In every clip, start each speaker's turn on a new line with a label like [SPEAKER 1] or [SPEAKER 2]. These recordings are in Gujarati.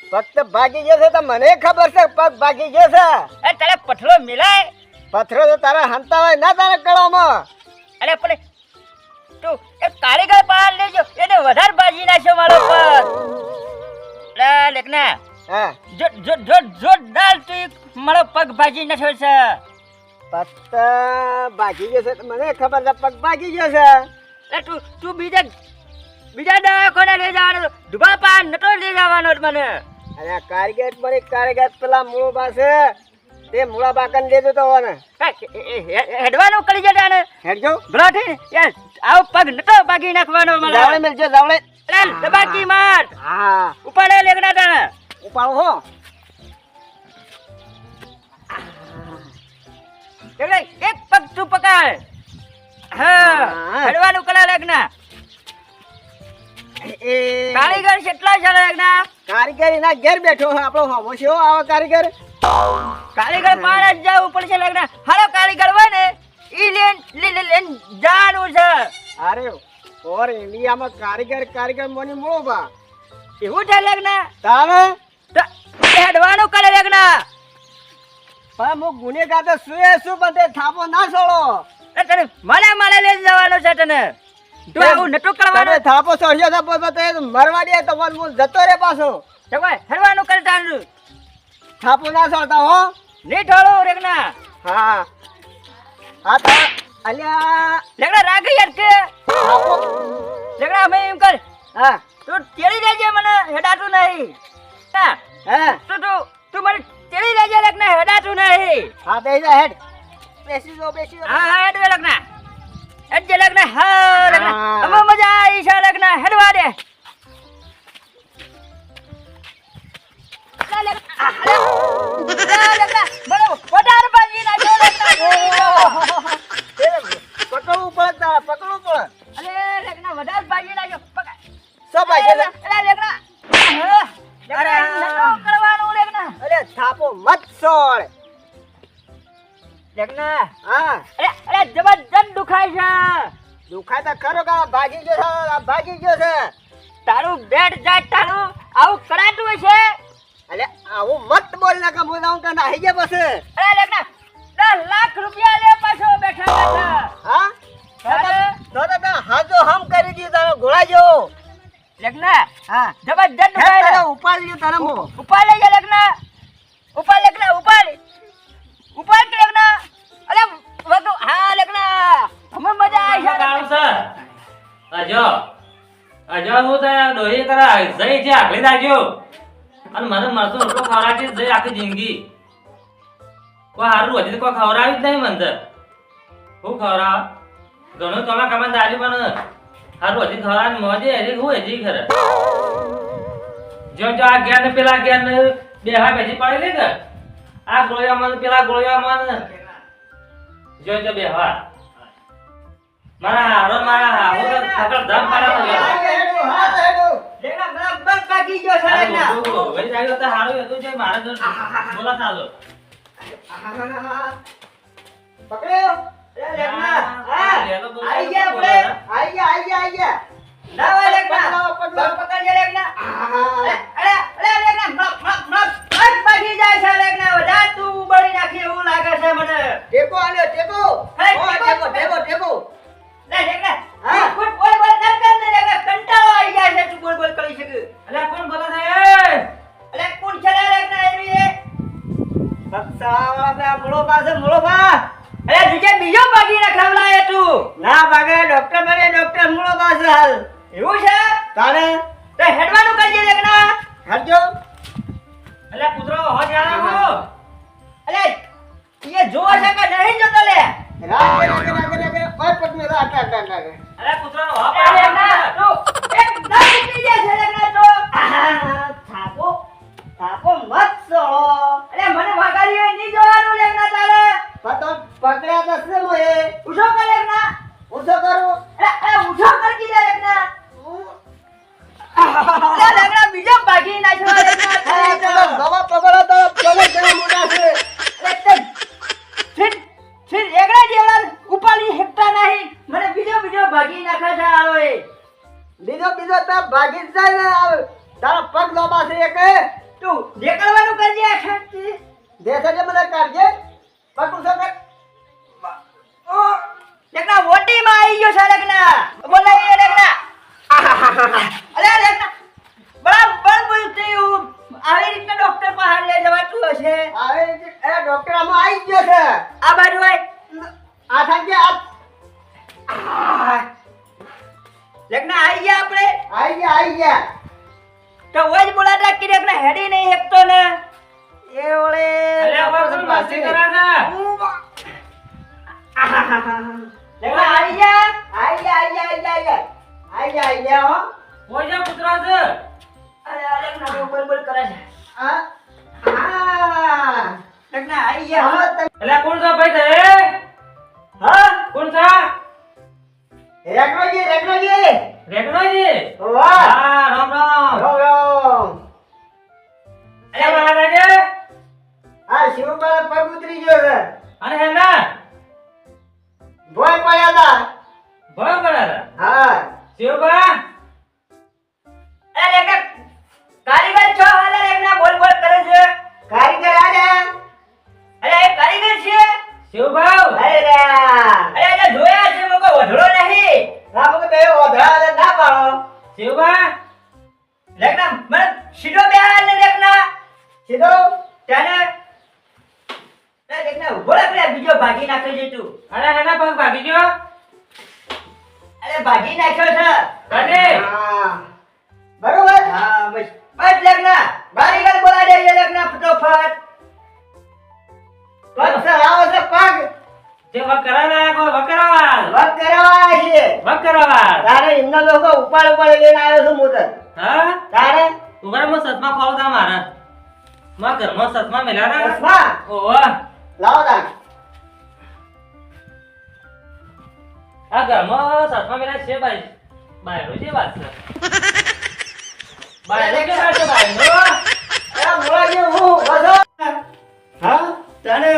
[SPEAKER 1] પગ તો ભાગી જશે તો મને ખબર છે પગ ભાગી જશે.
[SPEAKER 2] એ તારે પથરો મિલાય.
[SPEAKER 1] પથરો તો તારા હંતા હોય ના તારા કળામાં.
[SPEAKER 2] અરે પણ તું એક કારીગર પાર લેજો એને વધારે ભાજી નાખ્યો મારો પગ. અરે લેખના
[SPEAKER 1] હા
[SPEAKER 2] જોરદાર તું મારો પગ ભાજી નાખ્યો છે.
[SPEAKER 1] પગ તો ભાગી જશે તો મને ખબર છે પગ ભાગી જશે.
[SPEAKER 2] અરે તું બીજા દવાખાને લઈ જવાનો દુબા પાર નતો લઈ જવાનો મને.
[SPEAKER 1] અરે કારીગર પેલા મૂળો પાસે તે મૂળા બાકન લેજો તો ને
[SPEAKER 2] હેડવાનું કરી જતા ને
[SPEAKER 1] હેડજો
[SPEAKER 2] ભલા થઈ યાર આવો પગ નતો ભાગી નાખવાનો મને.
[SPEAKER 1] જાવડે મેલજો જાવડે.
[SPEAKER 2] અરે દબાકી માર
[SPEAKER 1] હા
[SPEAKER 2] ઉપાડે લેગના તાણે
[SPEAKER 1] ઉપાડો હો.
[SPEAKER 2] એક પગ તું પકડ. હા હેડવાનું કલા લેગના
[SPEAKER 1] એ
[SPEAKER 2] કારીગર કેટલા છે લેગના.
[SPEAKER 1] કારીગર એના ઘેર બેઠો છે આપણો હોમો છે આવો કારીગર.
[SPEAKER 2] કારીગર પાર જ જવું પડશે લેગના. હાલો કારીગર હોય ને ઈ લેન જાનું છે.
[SPEAKER 1] અરે ઓર ઇન્ડિયામાં કારીગર મોની મૂળો બા
[SPEAKER 2] એવું છે લેગના
[SPEAKER 1] તાને
[SPEAKER 2] હેડવાનું કરે લેગના.
[SPEAKER 1] પણ હું ગુનેગાર તો શું બંધે થાપો ના છોડો.
[SPEAKER 2] તને મને લઈ જવાનો છે તને. તું આવું નટુ કરવાનો.
[SPEAKER 1] તમે થાપો છોડ્યો તો પછી મરવા દે તો હું જતો રે પાછો.
[SPEAKER 2] હેડવાનું કરે તારું
[SPEAKER 1] થાપો ના છોડતા હો.
[SPEAKER 2] નહીં ઠોળો રેગના.
[SPEAKER 1] હા હા તો અલ્યા
[SPEAKER 2] લેગના રાગ યાર કે
[SPEAKER 1] થાપો
[SPEAKER 2] લેગના અમે એમ કર
[SPEAKER 1] હા
[SPEAKER 2] તું તેડી લેજે મને હેડાતું નહીં. હા
[SPEAKER 1] હા
[SPEAKER 2] તું મને તેડી લેજે લેગના હેડાતું નહીં.
[SPEAKER 1] હા બેસી જા હેડ. બેસી જો
[SPEAKER 2] હા હેડ વે લેગના હેડ જે લેગના. હા લેગના
[SPEAKER 1] હા.
[SPEAKER 2] અમે મજા આવી છે લેગના હેડવા દે. વધારે બાજી નાખ્યો લેગના.
[SPEAKER 1] પકડવું પડે તારા પકડવું પડે.
[SPEAKER 2] અરે લેગના વધારે બાજી નાખ્યો. પકડ.
[SPEAKER 1] શું ભાઈ છે?
[SPEAKER 2] અરે લેગના અરે નતો કરવાનું લેગના.
[SPEAKER 1] અરે થાપો મત છોડ.
[SPEAKER 2] લેગના
[SPEAKER 1] હા
[SPEAKER 2] અરે જબરજસ્ત દુખાય છે.
[SPEAKER 1] દુખાય તો ખરો કે ભાગી ગયો છે ભાગી ગયો છે.
[SPEAKER 2] તારું બેટ જાય તારું આવું કરાતું હશે.
[SPEAKER 1] અલે આવું મત બોલ ના કે હું જાઉં કે નાહી ગયા પછી.
[SPEAKER 2] અરે લેગના 10 લાખ રૂપિયા લે પાછો બેઠા બેઠા.
[SPEAKER 1] હા તો હાજો હમ કરી દી તારો ઘોડા જેવો.
[SPEAKER 2] લેગના
[SPEAKER 1] હા
[SPEAKER 2] જબરજસ્ત
[SPEAKER 1] હેડ
[SPEAKER 2] દુખાય
[SPEAKER 1] તારે
[SPEAKER 2] છે.
[SPEAKER 1] ઉપાડ લ્યો તારે હું.
[SPEAKER 2] ઉપાડ લેજે લેગના. ઉપાડ લેગના ઉપાડ કે લેગના. અરે વધુ હા લેગના અમે મજા આવી છે.
[SPEAKER 3] કામ સર અજો હું તો ડોહી કરા જઈ છે આગળી દાજો અને મને મરતું રોટલો ખવડાવી જઈ આખી જિંદગી કોઈ હારું હજી કોઈ ખવડાવી જ નહીં મને હું ખવડાવ ઘણું તમે કમાન દાજુ પણ હારું હજી ખવડાવી મોજે હજી હું હજી ખરે જો આ ગયા ને પેલા ગયા ને બે હા બેસી પડી લે કે આ ગોળિયામાં પેલા ગોળિયામાં જો બે હા મારા હાવો તો ખબર ધમ પાડો
[SPEAKER 1] લેગના બરાબર ભાગી ગયો છે લેગના.
[SPEAKER 3] વળી જાય તો હારું હતું જે મારે તો બોલા થાલો
[SPEAKER 1] પકડ્યો. અરે લેગના હા આઈ ગયા આપણે આઈ ગયા.
[SPEAKER 2] ના હોય લેગના
[SPEAKER 1] પકડો.
[SPEAKER 2] પકડજે લેગના.
[SPEAKER 1] હા
[SPEAKER 2] અરે લેગના મત ભાગી જાય છે લેગના. વધારે તું બળી નાખી એવું લાગે છે મને.
[SPEAKER 1] ટેકો આલ્યો ટેકો.
[SPEAKER 2] હે,
[SPEAKER 1] ઓ ટેકો.
[SPEAKER 2] લે લેગના
[SPEAKER 1] હા.
[SPEAKER 2] બોલ ના કર ને લેગના કંટાળો આવી જાય છે તું બોલ કરી શકે.
[SPEAKER 3] અલ્યા કોણ બોલે છે
[SPEAKER 2] અરે કોણ છે લેગના એવી એ?
[SPEAKER 1] બક્સાવાળા મૂળો પાસે મૂળો બા.
[SPEAKER 2] અરે બીજો ભાગી નાખવલાય તું.
[SPEAKER 1] ના ભાગે ડોક્ટર મૂળો પાસે હાલ.
[SPEAKER 2] એવું છે
[SPEAKER 1] તારે
[SPEAKER 2] તો હેડવાનું કરજે લેગના.
[SPEAKER 1] હટજો.
[SPEAKER 3] અલ્યા કૂતરો હો જાણા
[SPEAKER 2] અરે એ જોવા છે કે નહીં જોતો લે.
[SPEAKER 1] રાગે ઓય પટમે આટા.
[SPEAKER 3] અલ્યા કૂતરો હો
[SPEAKER 2] અરે લેગના તું એકદમ ઉતરી જાય છે લેગના તો.
[SPEAKER 1] થાપો મત છોડો.
[SPEAKER 2] અરે મને વાગાડી હોય નહીં જોવાનું લેગના તારે.
[SPEAKER 1] પતો પકડ્યા તો છે મોએ.
[SPEAKER 2] ઉઠો કર લેગના.
[SPEAKER 1] ઊંચો કરું.
[SPEAKER 2] અરે ઉઠો કર કીધા લેગના. અરે લેગના બીજો ભાગી નાખ્યો લેગના.
[SPEAKER 1] નવા પકડો તો પગજ જરા મોટા છે.
[SPEAKER 2] અરે છીન એકડા જેવડા ઉપાડી હેકતા નહીં. મને બીજો ભાગી નાખે છે આળોએ.
[SPEAKER 1] બીજો તો ભાગી જ જાય ને. તારા પગ લોબા છે એક
[SPEAKER 2] તું દેખાડવાનું કરજે આ શાંતિ.
[SPEAKER 1] દેશે જે મને કાઢજે પટું છે કે
[SPEAKER 2] ઓ લેકના મોટીમાં આવી ગયો છે લેકના. બોલાય લેકના. અરે લેકના બરાબર બોલતી આવી રીતના ડોક્ટર પાસે લઈ જવાતું હશે.
[SPEAKER 1] આવે એ ડોક્ટર આમાં આવી ગયો છે
[SPEAKER 2] આ બાજુ આય.
[SPEAKER 1] આ થાકે આ
[SPEAKER 2] લેકના આવી ગયા આપણે.
[SPEAKER 1] આવી ગયા
[SPEAKER 2] તો ઓય બોલાતા કે લેકના હેડી નહીં એકતો ને એ ઓલે
[SPEAKER 3] અલ્યા બાપ તમે મસ્તી કરો ને.
[SPEAKER 2] લેકના આવી ગયા
[SPEAKER 1] હો
[SPEAKER 3] કોઈ જા કૂતરો છે.
[SPEAKER 2] અરે આ લેકના બોલ કરે છે.
[SPEAKER 1] આ આ
[SPEAKER 2] લેકના આવી ગયા.
[SPEAKER 1] હા તમે
[SPEAKER 3] અલ્યા કોણ છે ભાઈ તે?
[SPEAKER 1] હા
[SPEAKER 3] કોણ છે?
[SPEAKER 1] રેકરોજી
[SPEAKER 3] રેગનોજી.
[SPEAKER 1] વાહ
[SPEAKER 3] હા રામ રામ.
[SPEAKER 1] રામ
[SPEAKER 3] અલ્યા મહારાજે.
[SPEAKER 1] આ શિવબાલા પગ ઉતરી ગયો છે
[SPEAKER 3] અને હેના
[SPEAKER 1] ભોય પડ્યા હતા
[SPEAKER 3] ભય પડ્યા.
[SPEAKER 1] હા
[SPEAKER 3] શિવબા
[SPEAKER 2] અરે લેકના કારીગર છો હાલે લેકના બોલ કરે છે.
[SPEAKER 1] કારીગર આયા
[SPEAKER 2] અરે એ કારીગર છે.
[SPEAKER 3] શિવભાવ.
[SPEAKER 1] અરે રા
[SPEAKER 2] અરે એને જોયા છે મોકો વધડો નહીં.
[SPEAKER 1] રામો કે બે ઓધરા ના પાડો
[SPEAKER 3] શિવબા
[SPEAKER 2] લેકના મને સીધો બેહાર ને લેકના
[SPEAKER 1] સીધો
[SPEAKER 2] તેને એ લેકના ઉભો રાખ લે બીજો ભાગી નાખ્યો છે તું.
[SPEAKER 3] અરે હેના પગ ભાગી ગયો.
[SPEAKER 2] અરે ભાગી નાખ્યો છે.
[SPEAKER 3] કને
[SPEAKER 1] હા બરોબર
[SPEAKER 2] હા બસ લેકના કારીગર બોલાવી દે લેકના ફટોફટ.
[SPEAKER 1] પગ સરાવો છે પગ
[SPEAKER 3] જે વક કરાવા કો વક કરાવા.
[SPEAKER 1] વક કરવા છે
[SPEAKER 3] વક કરાવા.
[SPEAKER 1] તારે એમના લોકો ઉપાડ લઈને આવ્યો છું મોટર
[SPEAKER 3] હા
[SPEAKER 1] તારે
[SPEAKER 3] ઉગર મો સતમાં ખોલ તા મારા માં ઘરમાં સતમાં મેલા ના.
[SPEAKER 1] ચશ્મા
[SPEAKER 3] ઓવા
[SPEAKER 1] લાવો તા
[SPEAKER 3] આ ઘરમાં સતમાં મેલા છે ભાઈ. બાયરો જે વાત છે. બાયરો કે વાત છે બાયરો.
[SPEAKER 1] એ મોળા જે હું બધો હા
[SPEAKER 2] તને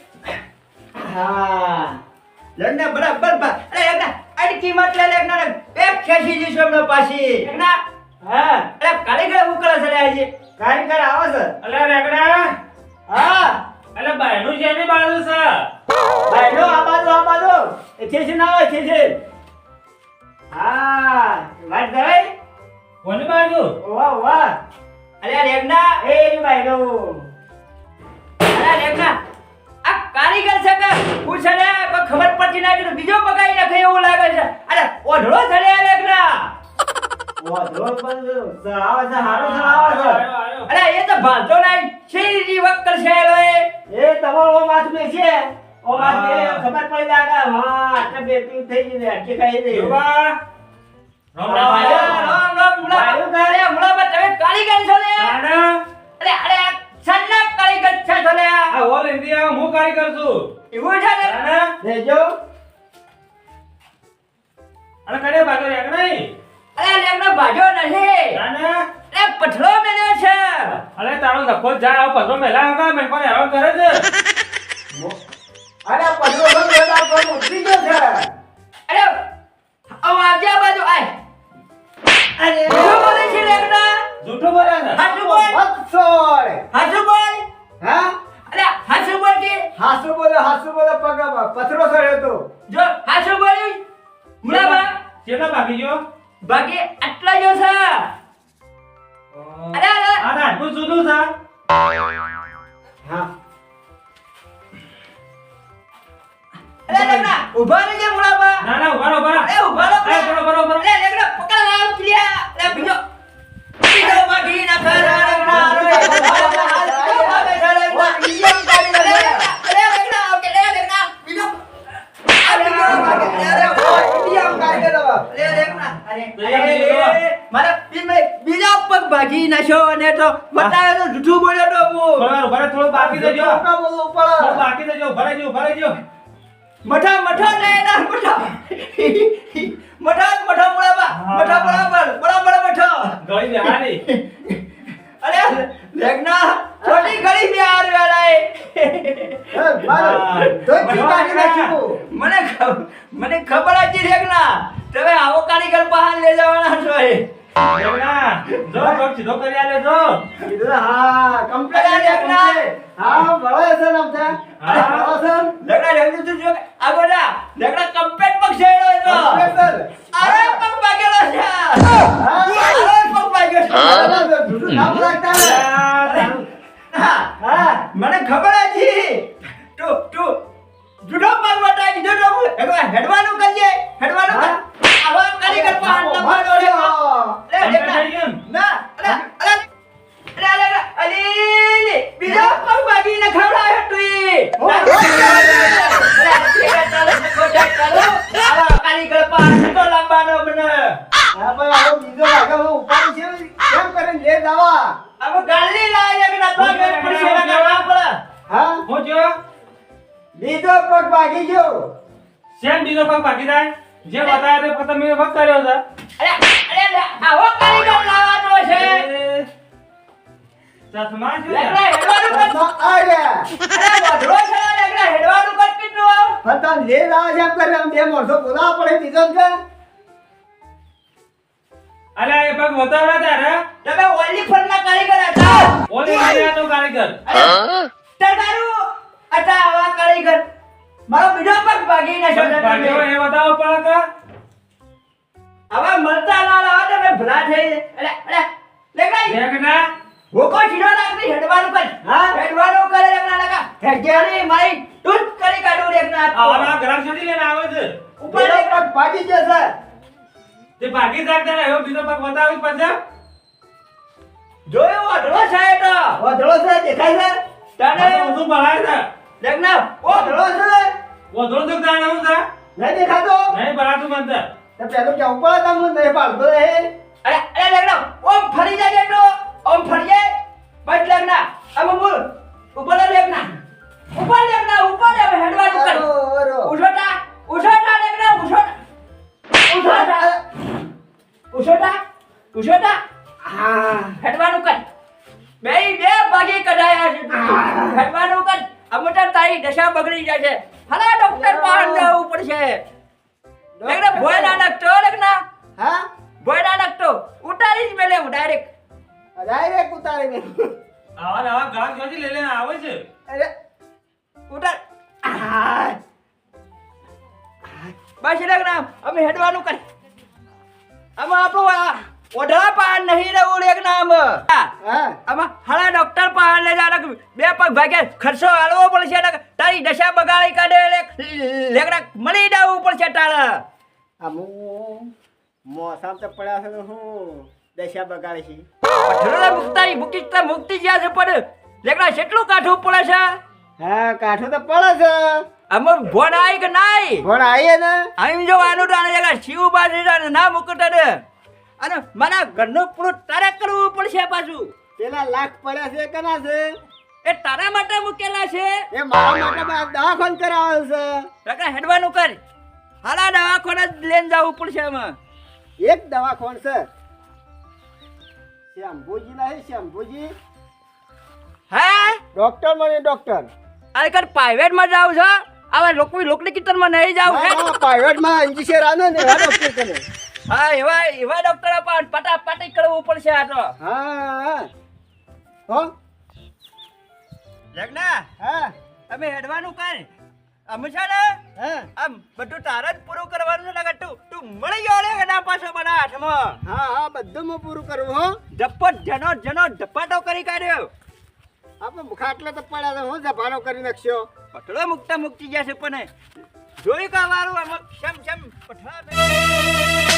[SPEAKER 1] હા
[SPEAKER 2] લડને બરાબર અરે લેકના અડકી મત લે લેકના એક ખેસી દીધો એમને પાછી. લેકના
[SPEAKER 1] હા
[SPEAKER 2] અરે કારીગર ઉકળે છે લે આજે.
[SPEAKER 1] કારીગર આવો છે
[SPEAKER 3] અલ્યા રેગડા.
[SPEAKER 1] હા
[SPEAKER 3] અલ્યા બાયરો છે ને બાયરો છે.
[SPEAKER 1] ભાઈનો આ બાજુ એ ખેસી ના આવે ખેસી હા વાત કરે
[SPEAKER 3] કોની બાજુ?
[SPEAKER 1] વાહ વાહ
[SPEAKER 2] અરે લેકના
[SPEAKER 1] એ ભાઈનો
[SPEAKER 2] અરે લેકના આ કારીગર છે કે પૂછે ને કોઈ ખબર પડતી નથી તો બીજો બગાઈ નાખે એવું લાગે છે. અરે ઓઢળો છે લે લેકના.
[SPEAKER 1] ઓધરો પણ સરાવે છે હારો સરાવે છે
[SPEAKER 3] આયો, આયો.
[SPEAKER 2] અરે એ તો ભાલતો નહીં શેરી વક્કર છે
[SPEAKER 1] એ તમારો ઓ માથ મે છે ઓ માથ મે
[SPEAKER 3] હા.
[SPEAKER 1] ખબર પડી લાગે હા એટલે બેટી થઈ ગઈ અટકી ખાઈ દે
[SPEAKER 3] શિવબા. રામ રામ
[SPEAKER 1] હા.
[SPEAKER 3] આયો.
[SPEAKER 2] રામ મુલા અરે મુલા તમે કારીગર છો લે.
[SPEAKER 3] તાના
[SPEAKER 2] અરે સન્ના કારીગર છે છો લે.
[SPEAKER 3] આ ઓલ ઇન્ડિયા હું કારીગર છું.
[SPEAKER 2] એવું છે ને
[SPEAKER 3] તાના
[SPEAKER 1] દેજો
[SPEAKER 3] અને કને ભાગો રેગડા.
[SPEAKER 2] અરે લેકનો ભાજો નથી.
[SPEAKER 3] તાના
[SPEAKER 2] અરે પથરો મેલ્યો છે.
[SPEAKER 3] અરે તારો નખો જા પથરો મેલા હકા મેં કોને હેરાન કરે છે.
[SPEAKER 1] અરે પદરો નો બેટા પર ઉતરી ગયો છે
[SPEAKER 2] અરે આવ આવજે આ બાજુ આય.
[SPEAKER 1] અરે
[SPEAKER 2] શું બોલે છે લેકના?
[SPEAKER 3] જૂઠું બોલે છે.
[SPEAKER 2] હાચું બોલ.
[SPEAKER 1] વત્સોળ
[SPEAKER 2] હાચું બોલ.
[SPEAKER 1] હા
[SPEAKER 2] અરે હાચું બોલ કે
[SPEAKER 1] હાસુ બોલો પગ પથરો સળ્યો તો
[SPEAKER 2] જો હાચું બોલ્યું મુલાબા
[SPEAKER 3] કેટલા ભાગી ગયો?
[SPEAKER 2] બાકી આટલા જો છે. અરે અરે
[SPEAKER 3] આ નાટકું જુદું છે.
[SPEAKER 1] હા
[SPEAKER 2] અરે લેકના ઉભા રહેજે મુલાબા.
[SPEAKER 3] ના ના ઉભા રહો, ઉભા રહો.
[SPEAKER 2] અરે ઉભા રહો.
[SPEAKER 3] અરે બરોબર બરોબર.
[SPEAKER 2] અરે લેકના પકડ આવ ક્લિયા. અરે બીજો બાકી ના કર લેકના. અરે બીજા પગ ભાગી નાખ્યો અને તો બતાવ્યો તો જૂઠું બોલ્યો તો હું.
[SPEAKER 3] થોડું ઉભા રહો, થોડું બાકી દેજો.
[SPEAKER 1] બોલો ઉપર
[SPEAKER 3] થોડું બાકી દેજો. ઉભા રહેજો, ઉભા રહેજો.
[SPEAKER 2] મઠા મઠા ને એના મઠા મઠા મુળાબા મઠા બરાબર મઠો.
[SPEAKER 3] ગળી બેહાડી.
[SPEAKER 2] અરે લેકના છોટી ગળી બે આર વેલાય. મને ખબર હતી લેકના તમે આવો કારીગર બહાર લઈ જવાના છો એ.
[SPEAKER 3] રેગડા, જો પગ સીધો કરી આલે તો
[SPEAKER 1] કીધું ને, હા complete
[SPEAKER 2] અરે,
[SPEAKER 1] છે,
[SPEAKER 2] લેખના.
[SPEAKER 1] complete. હા બળે છે ને આમ છે.
[SPEAKER 3] હા.
[SPEAKER 1] બળે છે ને.
[SPEAKER 2] લેકડા જલ્દી તું જો આ ગોડા લેકડા કમ્પેટ પગ છેડો એનો
[SPEAKER 1] Complete છે.
[SPEAKER 2] અરે પગ ભાગેલો છે
[SPEAKER 1] હા.
[SPEAKER 2] અરે પગ ભાગ્યો છે
[SPEAKER 1] બરાબર, જૂઠું નામ રાખતા ને.
[SPEAKER 2] હા
[SPEAKER 1] હા.
[SPEAKER 2] મને ખબર હતી તું જુડો પગ વટાઈ દીધો તો એકવાર હેડવાનું કરજે હેડવાનું કર આવા કારીગર પર હાથ ન પાડો રે લે લેકડા ના અરે અલી બીજો પગ ભાગીને ખવડાયો તું આવા કારીગર પર હાથ તો લાંબાનો બને
[SPEAKER 1] હા ભાઈ, આવો બીજો વાગે હું ઉપાડી છે. કેમ કરીને લે દાવા?
[SPEAKER 2] હવે ગાલી લાય કે ના તો મેં પડશે ના કરવા પડે
[SPEAKER 1] હા?
[SPEAKER 3] હું જો
[SPEAKER 1] બીજો પગ ભાગી ગયો.
[SPEAKER 3] શેમ બીજો પગ બાકી થાય જે બતાવ્યો તે પતંગ મેં પગ કર્યો છે
[SPEAKER 2] અરે આવો કારીગર લાવવાનો છે
[SPEAKER 3] ચશ્મા શું
[SPEAKER 2] લેકડા
[SPEAKER 3] છે?
[SPEAKER 2] હેડવાનું કર
[SPEAKER 1] હાથમાં આ ગયા.
[SPEAKER 2] અરે વધરો છે લેકડા હેડવાનું કર કેટલું
[SPEAKER 1] પણ તમે લે દાવા જેમ કરે આમ બે માણસો બોલાવવા પડે બીજો ને કે?
[SPEAKER 3] અલે એ પગ બતાવડા તારે
[SPEAKER 2] તમે ઓલી ફરના કારીગર હતા
[SPEAKER 3] ઓલી માર્યા તો કારીગર
[SPEAKER 2] તમારું હતા આવા કારીગર મારો બીજો પગ ભાગી નાખ્યો
[SPEAKER 3] ભાગ્યો
[SPEAKER 2] તમે
[SPEAKER 3] એ બતાવો પડે કે
[SPEAKER 2] હવે મળતા ના લાવો તમે ભલા થઈ અરે લેકડા
[SPEAKER 3] દેખના
[SPEAKER 2] હોકો સીધો નાખી હેડવાનું કર
[SPEAKER 1] હા?
[SPEAKER 2] હેડવાનું કરે લેકડા લગા હેડ્યાની મારી ટૂટ કરી કાઢું લેકડા
[SPEAKER 3] આવાના ગ્રામ સુધી લઈને આવે છે
[SPEAKER 2] ઉપર
[SPEAKER 1] બીજો
[SPEAKER 2] લેકડા
[SPEAKER 1] પગ ભાગી ગયો છે.
[SPEAKER 3] તે ભાગી શકતા ને એવો બીજો પગ બતાવી પછી
[SPEAKER 2] જોયો વધરો છે તો
[SPEAKER 1] વધળો છે, દેખાય છે?
[SPEAKER 2] તને
[SPEAKER 3] શું ભણાય છે
[SPEAKER 2] લેકડા ઓ
[SPEAKER 1] વધળો છે?
[SPEAKER 3] વધુ તો જાણે હું છે
[SPEAKER 1] નહીં દેખાતો?
[SPEAKER 3] નહીં ભણાતું મને
[SPEAKER 1] તો પેલું કેવું પડે તમને, નહીં પાડતો રહે.
[SPEAKER 2] અરે લેકડા ઓમ ફરી જાય તો ઓમ ફરી જાય બસ લેકડા આમ બોલ ઉપર લેકડા ઉપર લેકડા ઉપર હવે હેડવાનું કર
[SPEAKER 1] અરો.
[SPEAKER 2] ઉઠોટા ઉઠોટા લેકડા ઉઠોટા ઉઠોટા ઉઠોટા ઉઠોટા
[SPEAKER 1] હા.
[SPEAKER 2] હેડવાનું કર બે ભાગી કઢાયા છે હેડવાનું કર અમુટા તારી દશા બગડી જાય છે હલા ડોક્ટર પાસે જવું પડશે લેકડા ભોય ના નાખતો લેકડા
[SPEAKER 1] હા?
[SPEAKER 2] ભોય ના નાખતો ઉતારી જ મેલે હું ડાયરેક્ટ
[SPEAKER 1] Direct ઉતારી મેં.
[SPEAKER 3] આવા ગ્રામ સુધી લઈ લઈને આવે છે
[SPEAKER 1] અરે,
[SPEAKER 2] ઉતાર બસ લેકડા અમે હેડવાનું કર આમાં આપણું ઓઢા પાન નહીં રહેવું લેકડા આમાં
[SPEAKER 1] હા.
[SPEAKER 2] આમાં હળા ડોક્ટર પાસે લઈ જા બે પગ ભાગ્યા ખર્ચો હાલવો પડશે ને તારી દશા બગાડી કાઢે લેકડા મળી જવું પડશે તારે
[SPEAKER 1] આમું મોસામ તો પડ્યા છે તો હું દશા બગાડે છે.
[SPEAKER 2] પઠડોલા મુક્તાઈ મુકિસ્તા મુક્તિ જ્યાં છે પણ લેકડા કેટલું કાઠું પડે છે
[SPEAKER 1] હા, કાઠું તો પડે છે.
[SPEAKER 2] આમાં ભોન આવી કે નાઈ
[SPEAKER 1] પણ આવીએ ને
[SPEAKER 2] આમ જો આનું તો આને જગા શિવ બાજરી ના મુકટ ને અને મારા ઘરનું પૂરું તારે કરવું પડશે પાછું
[SPEAKER 1] પેલા લાખ પડ્યા છે કના છે?
[SPEAKER 2] એ તારા માટે મૂકેલા છે
[SPEAKER 1] એ મારા માટે મારે દવાખાન કરાવેલ છે.
[SPEAKER 2] લેકડા હેડવાનું કર હાલા દવાખાને જ લઈને જવું પડશે આમાં
[SPEAKER 1] એક દવાખાન છે. શ્યામભુજી ના છે, શ્યામભુજી
[SPEAKER 2] હે
[SPEAKER 1] ડોક્ટર મને ડોક્ટર.
[SPEAKER 2] આ કર પ્રાઇવેટ માં જાવ છો હવે લોકની કિચનમાં નહીં જાવ હે
[SPEAKER 1] પ્રાઇવેટ માં ઇન્જિશિયર આનો ને એવા ડોક્ટર કરે.
[SPEAKER 2] હા એવા ડોક્ટર પણ પટાપટી કરવું પડશે આ તો
[SPEAKER 1] હા. હો?
[SPEAKER 2] લગ્ના
[SPEAKER 1] હા.
[SPEAKER 2] અમે હેડવાનું કર અમે છે ને
[SPEAKER 1] હા.
[SPEAKER 2] આમ બધું તારે જ પૂરું કરવાનું છે ને તું મળી ગયો ને એના પાછો મારા હાથમાં
[SPEAKER 1] હા, બધું હું પૂરું કરું. હો?
[SPEAKER 2] ધપ્પટ જનો ધપાટો કરી કાઢ્યો
[SPEAKER 1] આપણે ખાટલે તો પડ્યા છે, હું જભાનો કરી નાખ્યો.
[SPEAKER 2] પટલો મુકતા મુકતી જશે પણ જોઈ કા વારું આમ શમ પઠા